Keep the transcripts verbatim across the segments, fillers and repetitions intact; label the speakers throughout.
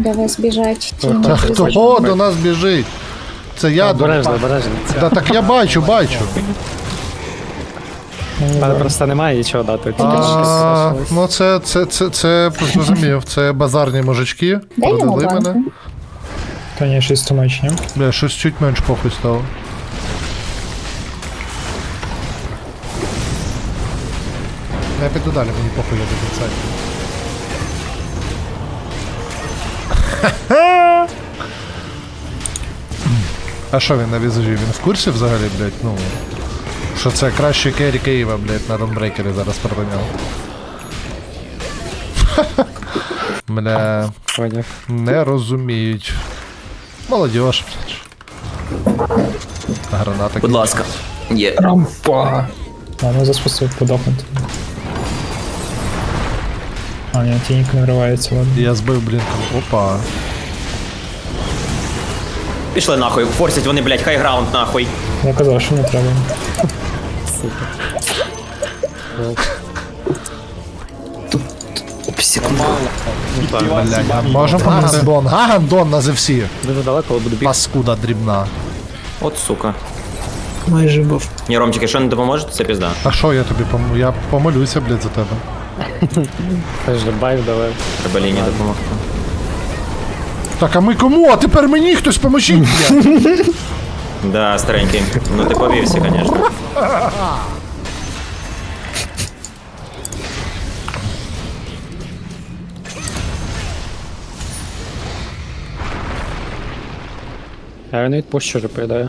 Speaker 1: До вас біжать тіні.
Speaker 2: Та хто до нас біжить? Це я до...
Speaker 3: Обережно, обережно.
Speaker 2: Да, так я бачу, бачу.
Speaker 3: Але просто немає нічого дати. Тільки
Speaker 2: А,
Speaker 3: щось залишилось.
Speaker 2: ну це, це, це, це, зрозумів, це базарні мужички.
Speaker 1: Дай йому
Speaker 2: Продали мене.
Speaker 1: банку.
Speaker 4: Та ні, щось тумач, ні?
Speaker 2: Бля, щось чуть менш похуй стало. Я піду далі, мені похуй, я до кінця. А що він на візажі? Він в курсі взагалі, блядь, ну... Що це кращий керрі Києва, блядь, на ронбрейкері зараз проганяв. Бля...
Speaker 3: Поняв.
Speaker 2: Не розуміють. Молодіж. Граната.
Speaker 5: Будь ласка. Є.
Speaker 4: Рампа! А, ну заспустив подохнути. А, ні, тінік не вривається, ладно.
Speaker 2: Я збив блінком. Опа.
Speaker 5: Пішли нахуй, форсять вони, блядь, хайграунд нахуй.
Speaker 4: Я казав, що не треба.
Speaker 2: Блядь, можемо Гандон. Гандон на зевсі.
Speaker 3: Дуже далеко, але буду бігти.
Speaker 2: Паскуда дрібна.
Speaker 5: От сука.
Speaker 4: Майже був.
Speaker 5: Ні, Ромчик, якщо не допоможете, це пізда.
Speaker 2: А що я тобі пом... Я помолюся, блядь, за тебе.
Speaker 3: Теж байв давай.
Speaker 5: Треба лінії допомогти.
Speaker 2: Так, а ми кому? А тепер мені хтось поможіть, блядь.
Speaker 5: Да, старенький. Ну ти повівся, конечно.
Speaker 3: Я не відпущу, вже поїдаю.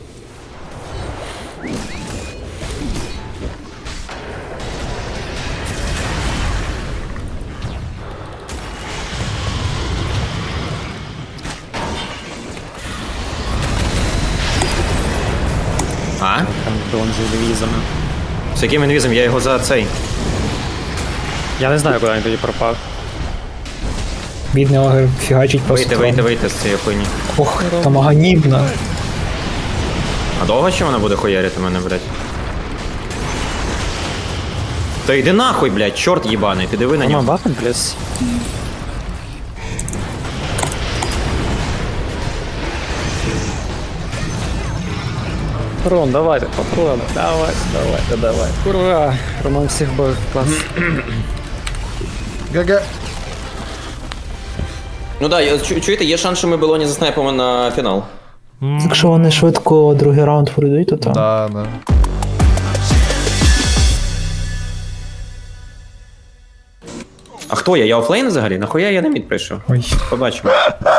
Speaker 5: А?
Speaker 3: Там дрон з інвізами.
Speaker 5: З яким інвізом? Я його за цей.
Speaker 3: Я не знаю, куди він тоді пропав.
Speaker 4: Бідний огр фігачить просто.
Speaker 5: Вийти, вийти, вийти з цієї хуйні.
Speaker 4: Ох, там аганібна.
Speaker 5: А довго ще вона буде хуярити мене, блядь? Та йди нахуй, блядь, чорт їбаний, ти диви на
Speaker 3: Нема
Speaker 5: нього.
Speaker 3: бафен, плюс. Ром, давайте, попробуем. Давай, давай, давай. Ура! Роман всіх бив, клас.
Speaker 2: ГГ.
Speaker 5: Ну да, я- чу- чуєте, є шанс, що ми Белоні заснайпимо на фінал.
Speaker 4: Якщо вони швидко другий раунд пройдуть, то там.
Speaker 2: Да, да.
Speaker 5: А хто я? Я офлейн взагалі? Нахуя я на мід прийшов?
Speaker 4: Ой.
Speaker 5: Побачимо.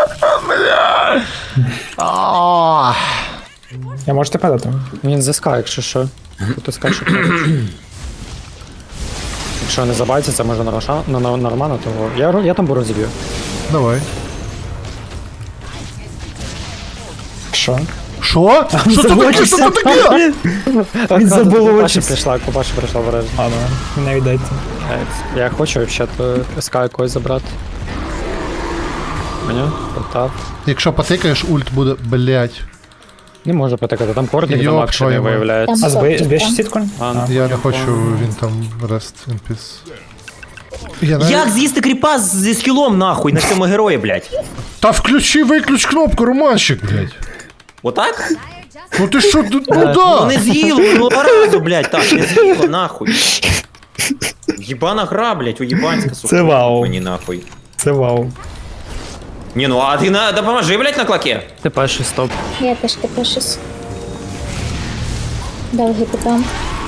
Speaker 2: А,
Speaker 4: Я можу тебе дати?
Speaker 3: Він зі ска, якщо що. Тут ска, що поруч. Якщо не забайтиться, може на Роша, на, на, на Романа, то я, ро- я там буру зіб'ю.
Speaker 2: Давай.
Speaker 4: Що?
Speaker 2: Що? Що це таке? Що це таке?
Speaker 4: Він забув
Speaker 3: Купаші
Speaker 4: очі.
Speaker 3: прийшла, Купаші прийшла обережно.
Speaker 4: Ладно, не віддайте.
Speaker 3: Я хочу взагалі СК якось забрати. Мені? Потап.
Speaker 2: Якщо потикаєш, ульт буде, блять.
Speaker 3: Не можу потикати, там кордик
Speaker 2: Йоп,
Speaker 3: замак ще не
Speaker 2: твою мать.
Speaker 3: виявляється.
Speaker 4: А збиєш
Speaker 1: Там
Speaker 4: збиєш
Speaker 1: там.
Speaker 4: сітку?
Speaker 3: А, ну.
Speaker 2: Я не хочу, він там rest in peace. Я навіть-
Speaker 5: Як з'їсти кріпа з- зі скілом нахуй на цьому герої, блядь?
Speaker 2: Та включи, виключ кнопку, Романщик, блять.
Speaker 5: Отак?
Speaker 2: Ну ти що, ну
Speaker 5: Ну
Speaker 2: да.
Speaker 5: не з'їло, ну разу, блядь, так, не з'їло, нахуй. Єбана гра, блядь, уєбанська, сука.
Speaker 4: Це вау.
Speaker 5: Мені нахуй.
Speaker 4: Це вау.
Speaker 5: Ні, ну а ти на, допоможи, блядь, на клаке.
Speaker 3: Ти перший стоп.
Speaker 1: Я теж тепер щось. Довгий питам.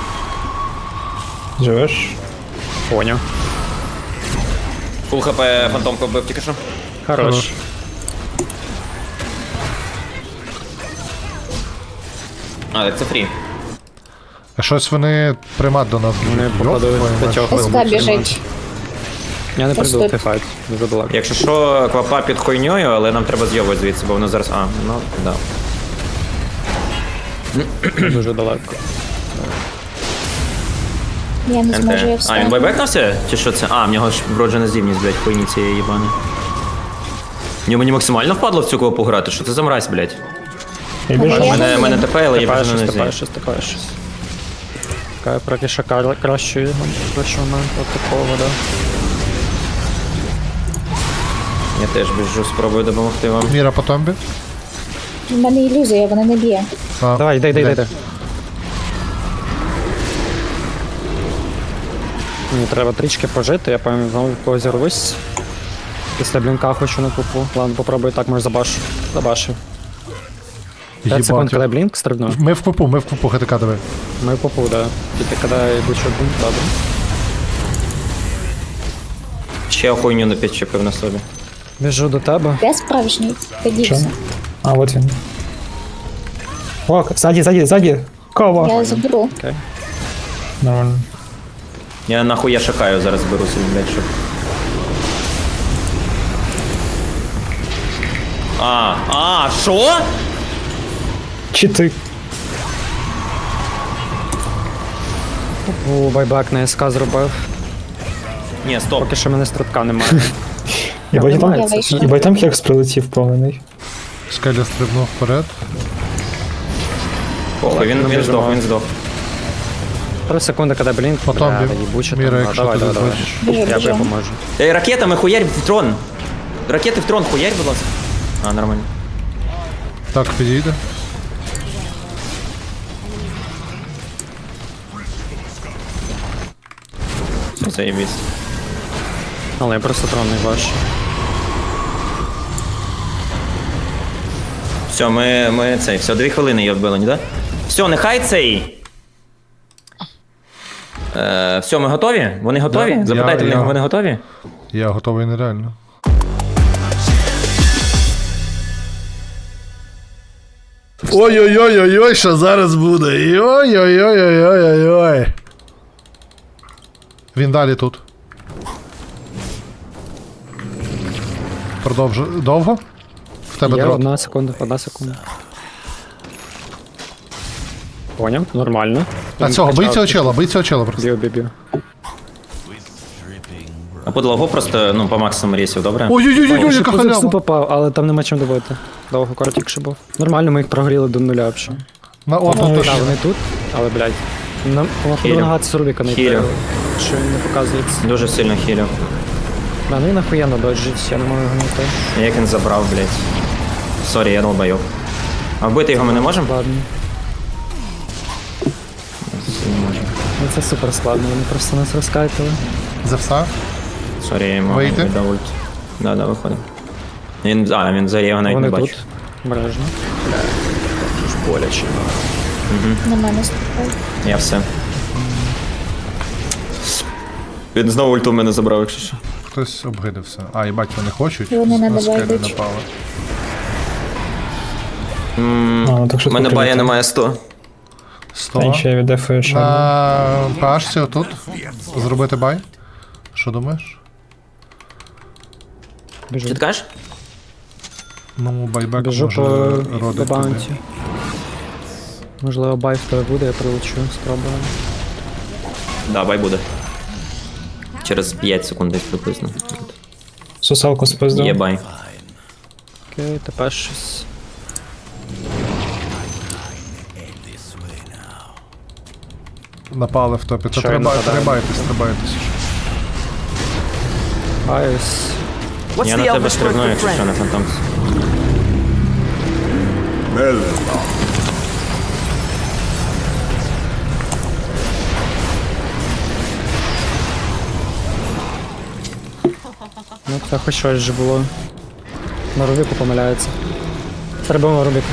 Speaker 4: Живеш?
Speaker 3: Поняв.
Speaker 5: Фул хп фантомку вбив тільки що.
Speaker 3: Хорош.
Speaker 5: А, так це фрі.
Speaker 2: А щось вони примат до нас
Speaker 3: Вони
Speaker 2: будуть.
Speaker 3: походу
Speaker 2: Йоп, твою мать.
Speaker 3: п'ятьох.
Speaker 1: Ска біжить.
Speaker 3: Я не прийду в
Speaker 1: Просто-
Speaker 3: цей файт. Дуже далеко.
Speaker 5: Якщо що, квапа під хуйньою, але нам треба з'йовувати звідси, бо воно зараз. А, ну, да.
Speaker 3: Дуже далеко.
Speaker 1: Я не зможу, я
Speaker 5: НТ. А,
Speaker 1: встати.
Speaker 5: він байбекнувся? Чи що це? А, в нього ж вроджена здібність, блядь, хуйні цієї їбани. Ні, мені максимально впадло в цю квапу грати, що це за мразь, блядь?
Speaker 4: Я біжу.
Speaker 1: Я
Speaker 5: Мене,
Speaker 1: не
Speaker 5: мене
Speaker 1: знаю.
Speaker 5: ТП, але я
Speaker 3: Тепер
Speaker 5: біжу
Speaker 3: щось,
Speaker 5: на
Speaker 3: тепер
Speaker 5: нозі.
Speaker 3: щось, тепер щось. Така проки кра- кращої, кращого моменту от такого, да.
Speaker 5: Я теж біжу, спробую допомогти вам.
Speaker 2: Міра по томбі.
Speaker 1: В мене ілюзія, вона не б'є.
Speaker 2: А,
Speaker 3: Давай, йди, йди, йди, йди. Мені треба трішки пожити, я пам'ятаю, знову когось зірвусь. Після блінка хочу на пупу. Ладно, попробую так, може забашу. Забашу. п'ять секунд,
Speaker 2: їбать.
Speaker 3: коли блінк стрибну.
Speaker 2: Ми в купу, ми в купу, ГТК давай.
Speaker 3: Ми в пупу, да. Тільки коли йду що блінк, добре.
Speaker 5: Ще хуйню не підчепив на собі.
Speaker 3: Біжу до тебе.
Speaker 1: Я справжній. Ти дівся.
Speaker 4: А, от він. О, ззаді, ззаді, ззаді. Кова.
Speaker 1: Я заберу.
Speaker 4: Нормально.
Speaker 5: Я нахуй я шукаю, зараз беру собі, блядь, щоб... А, а, що?
Speaker 4: Чи ти?
Speaker 3: О, байбек на СК зробив.
Speaker 5: Ні, стоп.
Speaker 3: Поки що в мене стрибка немає.
Speaker 4: Єбать там,
Speaker 1: Я вийшла.
Speaker 4: єбать там хекс прилетів повний.
Speaker 2: Скеля стрибнув вперед.
Speaker 5: Похуй, він, він здох, він здох.
Speaker 3: Три секунди, коли блінк.
Speaker 2: По томбі.
Speaker 3: Бля, їбуче
Speaker 2: Міра,
Speaker 3: там. А,
Speaker 2: якщо
Speaker 3: давай,
Speaker 2: ти
Speaker 3: давай, давай.
Speaker 2: дозволиш.
Speaker 1: Біжу,
Speaker 3: Я
Speaker 1: біжу.
Speaker 3: допоможу.
Speaker 5: Ей, ракетами хуярь в трон. Ракети в трон хуярь, будь ласка. А, нормально.
Speaker 2: Так, підійде.
Speaker 5: Заєбісь.
Speaker 3: Але я просто трон не бачу.
Speaker 5: Все, ми, ми цей, все, дві хвилини її вбили, ні, да? Все, нехай цей. Е, все, ми готові? Вони готові?
Speaker 2: Да.
Speaker 5: Запитайте в
Speaker 2: Я-
Speaker 5: них,
Speaker 2: я-
Speaker 5: вони готові?
Speaker 2: Я готовий нереально. Ой-ой-ой-ой-ой, що зараз буде? Ой-ой-ой-ой-ой-ой. Він далі тут. Продовжу. Довго? В тебе
Speaker 3: Є
Speaker 2: дрот.
Speaker 3: одна секунда, одна секунда. Поняв, нормально.
Speaker 2: А цього, бий цього чела, бий цього чела просто.
Speaker 3: Б'ю, б'ю, б'ю.
Speaker 5: А подлогу просто, ну, по максимуму рейсів, добре?
Speaker 2: Ой-ой-ой-ой, яка
Speaker 3: Позицію
Speaker 2: халява.
Speaker 3: попав, але там нема чим добити. Довго коротік ще був. Нормально, ми їх прогріли до нуля взагалі.
Speaker 2: На от,
Speaker 4: Ой,
Speaker 2: от,
Speaker 3: Так, вони тут, але, блядь. Нам
Speaker 5: Хілю.
Speaker 3: походу нагадати Рубіка не
Speaker 5: Хілю.
Speaker 3: йти, що він не показується.
Speaker 5: Дуже сильно хілю.
Speaker 3: Да, ну і нахуєнно доджить, я не можу його знайти.
Speaker 5: Як він забрав, блядь. Сорі, я долбайов. А вбити його ми не можемо?
Speaker 3: Ладно. Ну це супер складно, вони просто нас розкайтили.
Speaker 2: За все?
Speaker 5: Сорі, я йому
Speaker 2: Вийти?
Speaker 5: віддав ульт. Да, да, виходимо. Він, а, він зарі, я його навіть
Speaker 3: Вони
Speaker 5: не бачу.
Speaker 3: тут. Бережно. Ж боляче.
Speaker 1: На мене ступай.
Speaker 5: Я все. Він знову ульту в мене забрав, якщо що.
Speaker 2: Хтось обгидився. А, їбать, вони хочуть.
Speaker 1: Вони
Speaker 2: На
Speaker 1: не
Speaker 2: скелі
Speaker 1: добавлять.
Speaker 2: напали.
Speaker 4: А, ну так
Speaker 5: У
Speaker 4: що
Speaker 5: мене бая немає сто.
Speaker 2: сто.
Speaker 4: Та ще я віддефую ще.
Speaker 2: На пашці отут. Зробити бай. Що думаєш?
Speaker 3: Біжу.
Speaker 5: Чи ти кажеш?
Speaker 2: Ну, байбек
Speaker 3: Біжу
Speaker 2: може
Speaker 3: по, по
Speaker 2: родити.
Speaker 3: баунті. Можливо, бай в тебе буде, я прилечу, спробую.
Speaker 5: Да, бай буде. Через п'ять секунд десь приблизно.
Speaker 4: Сусалку спиздив.
Speaker 5: Є бай.
Speaker 3: Окей, тепер щось.
Speaker 2: Напали в топі. Та
Speaker 3: Що
Speaker 2: треба,
Speaker 3: він нападає?
Speaker 2: трибайтесь, трибайтесь.
Speaker 3: Айс.
Speaker 5: Я на тебе стрибну, якщо що, на фантомці.
Speaker 3: Ну, це хоч щось же було. На Рубіку помиляється. Стрибаємо Рубіка.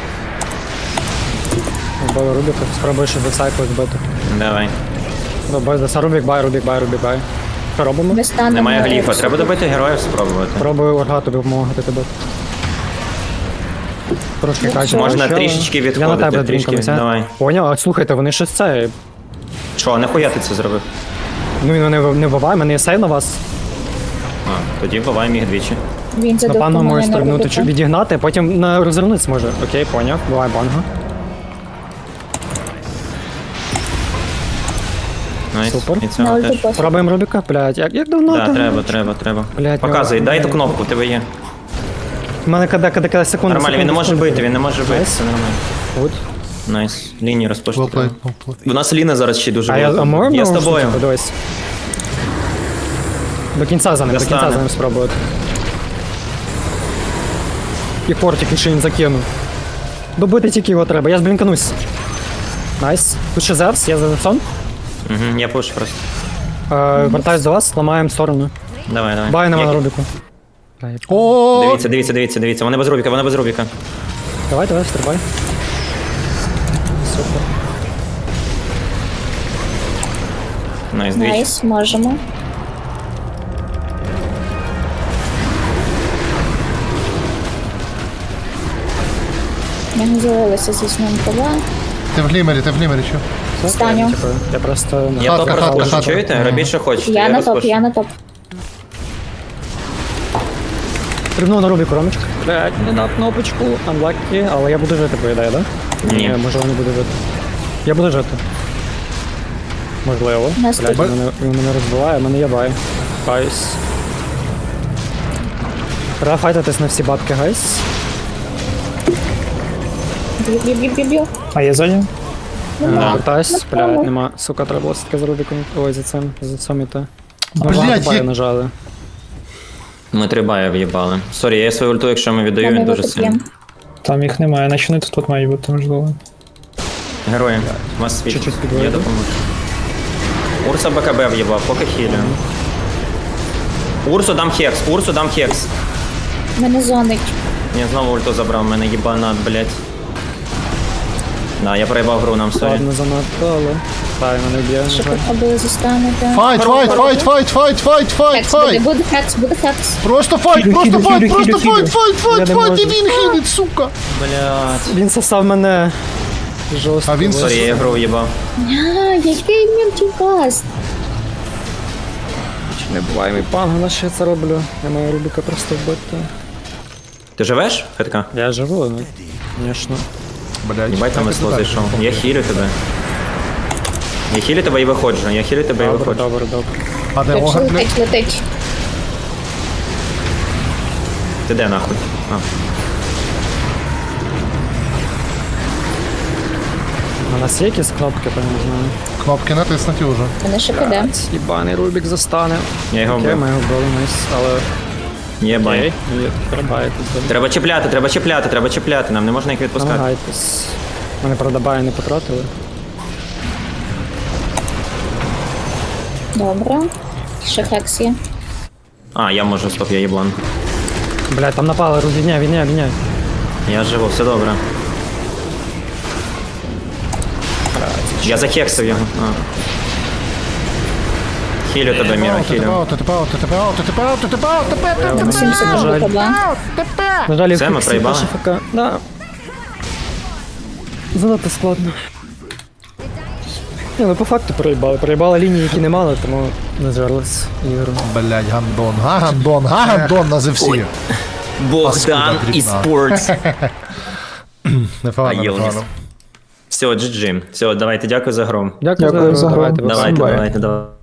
Speaker 3: Вбили Рубіка, спробуй ще десайку збити.
Speaker 5: Давай.
Speaker 3: Добре, деса Рубік, бай, Рубік, бай, Рубік, бай. Що робимо?
Speaker 1: Ми станемо.
Speaker 5: Немає гліфа,
Speaker 1: на-
Speaker 5: треба добити героїв спробувати.
Speaker 3: Пробую Орга тобі допомагати тебе. Трошки краще.
Speaker 5: Можна
Speaker 3: почали.
Speaker 5: трішечки
Speaker 3: Я на
Speaker 5: відходити,
Speaker 3: тебе
Speaker 5: трішки,
Speaker 3: дрінкамся.
Speaker 5: давай.
Speaker 3: Поняв, а слухайте, вони щось це.
Speaker 5: Що, нахуя ти це зробив?
Speaker 3: Ну він не, не вбиває, мене є сейв на вас.
Speaker 5: А, тоді буваємо їх двічі.
Speaker 1: Він задовго
Speaker 3: Напевно, може
Speaker 1: мене не
Speaker 3: стрибнути,
Speaker 1: робити.
Speaker 3: чи відігнати, потім на розвернутися може. Окей, поняв, буває банга.
Speaker 5: Найс.
Speaker 3: Супер.
Speaker 5: І
Speaker 1: На
Speaker 5: цього
Speaker 1: ульту
Speaker 5: теж.
Speaker 1: пофіг.
Speaker 3: Пробуємо Рубіка, блядь, як, як давно
Speaker 5: Да,
Speaker 3: там?
Speaker 5: треба, треба, треба.
Speaker 3: Блядь,
Speaker 5: Показуй,
Speaker 3: ну,
Speaker 5: дай ту
Speaker 3: блядь.
Speaker 5: кнопку, тебе є.
Speaker 3: У мене коли, коли, коли секунда.
Speaker 5: Нормально, він не може бити, він не може бити,
Speaker 3: Найс.
Speaker 5: все нормально.
Speaker 3: От.
Speaker 5: Найс. Лінію розпочти.
Speaker 2: Well played,
Speaker 5: треба.
Speaker 2: well played.
Speaker 5: У нас Ліна зараз ще дуже
Speaker 3: А я, а
Speaker 5: велика.
Speaker 3: можемо?
Speaker 5: Я з тобою.
Speaker 3: Подивись. До кінця за ним, до кінця
Speaker 5: Достане.
Speaker 3: за ним спробувати. І фортик ще він закинув. Добити тільки його треба, я зблінканусь. Найс. Тут ще Зевс, я за Зевсом.
Speaker 5: Угу, я пушу просто.
Speaker 3: Е, Вертаюсь до вас, ламаємо сторону.
Speaker 5: Давай, давай.
Speaker 3: Бай нема
Speaker 5: Я-
Speaker 3: на Рубіку.
Speaker 2: О,
Speaker 5: Дивіться, дивіться, дивіться, дивіться. Вони без Рубіка, вони без Рубіка.
Speaker 3: Давай, давай, стрибай. Супер.
Speaker 5: Найс, дивіться.
Speaker 1: Найс, можемо. Я не з'явилася зі сном кова.
Speaker 2: ти в глімері, ти в глімері, що?
Speaker 1: Встаню.
Speaker 3: Типу, я просто...
Speaker 5: Я
Speaker 2: Хатка,
Speaker 5: топ
Speaker 2: хатка,
Speaker 5: розпушу,
Speaker 2: хатка.
Speaker 5: чуєте? Робіть, що хочете.
Speaker 1: Я на топ,
Speaker 5: розпушу.
Speaker 1: я на топ.
Speaker 3: Стрибнув на Рубіку, Ромочка. Блядь, не на кнопочку. Unlucky, але я буду жити, по ідеї, да?
Speaker 5: Ні.
Speaker 3: Можливо, не буду жити. Я буду жити. Можливо.
Speaker 1: Нас
Speaker 3: Блядь,
Speaker 1: тут-
Speaker 3: він мене, він мене розбиває, мене є бай. Гайс. Треба файтитись на всі бабки, гайс.
Speaker 1: Б'ю, б'ю, б'ю, б'ю, б'ю.
Speaker 4: А я ззаді?
Speaker 5: Да.
Speaker 3: Вертаюсь,
Speaker 1: Напевно.
Speaker 3: блядь, нема. Сука, треба було все-таки за Рубіком. Ой, за цим, за цим іти.
Speaker 2: Блядь,
Speaker 3: баю
Speaker 2: як-
Speaker 3: нажали.
Speaker 5: Ми три бая в'їбали. Сорі, я свою ульту, якщо ми віддаю,
Speaker 1: Мене
Speaker 5: він дуже
Speaker 1: випекли.
Speaker 5: сильно.
Speaker 4: Там їх немає, наче вони тут мають бути, можливо.
Speaker 5: Герої, у вас світ.
Speaker 3: Чуть-чуть
Speaker 5: Я
Speaker 3: підведу.
Speaker 5: допоможу. Урса БКБ в'їбав, поки хілю. Урсу дам хекс, Урсу дам хекс.
Speaker 1: Мене зонить.
Speaker 5: Я знову ульту забрав, мене їбанат, блядь. Да, я проїбав гру нам, сорі.
Speaker 3: Ладно, занадто, але... Та, він мене б'є.
Speaker 1: Що
Speaker 3: на жаль.
Speaker 1: попробую застанути.
Speaker 2: Файт, файт, файт, файт, файт, файт, файт,
Speaker 1: Хекс буде,
Speaker 2: файт!
Speaker 1: буде хекс, буде хекс.
Speaker 2: Просто файт,
Speaker 4: Хілю,
Speaker 2: просто
Speaker 4: хілю,
Speaker 2: файт,
Speaker 4: хілю,
Speaker 2: просто
Speaker 4: хілю,
Speaker 2: файт,
Speaker 4: хілю.
Speaker 2: файт, файт,
Speaker 3: Я не
Speaker 2: файт, і
Speaker 3: можу.
Speaker 2: він хілить, сука!
Speaker 5: Блядь.
Speaker 3: Він сосав мене. Жорстко.
Speaker 2: А він
Speaker 5: Сорі, я гру в'їбав.
Speaker 1: А, який мультикаст.
Speaker 3: Не буває мій панго, на що я це роблю. Я маю Рубіка просто вбити.
Speaker 5: Ти живеш, Хитка?
Speaker 3: Я живу, ну, звісно.
Speaker 2: Блядь.
Speaker 5: Їбать там весло зайшов. Я хілю тебе. Я хілю тебе і виходжу, я хілю тебе і
Speaker 3: Добре,
Speaker 5: виходжу.
Speaker 3: добре, добре.
Speaker 2: А де
Speaker 1: Точно
Speaker 2: огар, блядь?
Speaker 1: летить, летить.
Speaker 5: Ти де нахуй? А.
Speaker 3: У нас є якісь кнопки, то не знаю.
Speaker 2: Кнопки натиснуті вже.
Speaker 1: Мене ще піде.
Speaker 3: Єбаний Рубік застане.
Speaker 5: Я його
Speaker 3: Окей,
Speaker 5: вбив.
Speaker 3: ми його вбили, найс, але...
Speaker 5: Є бай.
Speaker 3: Окей, ні, треба якось добре.
Speaker 5: Треба чіпляти, треба чіпляти, треба чіпляти, нам не можна їх відпускати.
Speaker 3: Намагайтесь. Мене, правда, бай не потратили.
Speaker 1: Добре. Ще хекс є.
Speaker 5: А, я можу, стоп, я їблан.
Speaker 3: Блядь, там напали, Рубік, відняй, відняй, відняй.
Speaker 5: Я живу, все добре. Я захексив його. А. Хілю тебе, Міра,
Speaker 2: Ти тебе
Speaker 5: хілю.
Speaker 2: аут, ти тебе аут, ти тебе аут, ти тебе аут, ти тебе аут, ти тебе аут, ти тебе
Speaker 1: На сім секунд
Speaker 3: жаль.
Speaker 1: БКБ.
Speaker 3: На жаль,
Speaker 5: Це ми
Speaker 3: всі
Speaker 5: проїбали?
Speaker 3: наші ФК. Да. Занадто складно. Ні, ну по факту проїбали. Проїбали лінії, які не мали, тому не зверлись ігру.
Speaker 2: Блядь, гандон, га гандон, га гандон на зевсі.
Speaker 5: Богдан
Speaker 2: дрібна.
Speaker 5: і спортс.
Speaker 2: Непогано,
Speaker 5: А, Єлніс.
Speaker 2: непогано.
Speaker 5: Все, джі джі. Все, давайте, дякую за гру.
Speaker 3: Дякую,
Speaker 4: Дякую за гру.
Speaker 3: давайте,
Speaker 5: Давайте,
Speaker 4: Бай.
Speaker 5: давайте, давайте.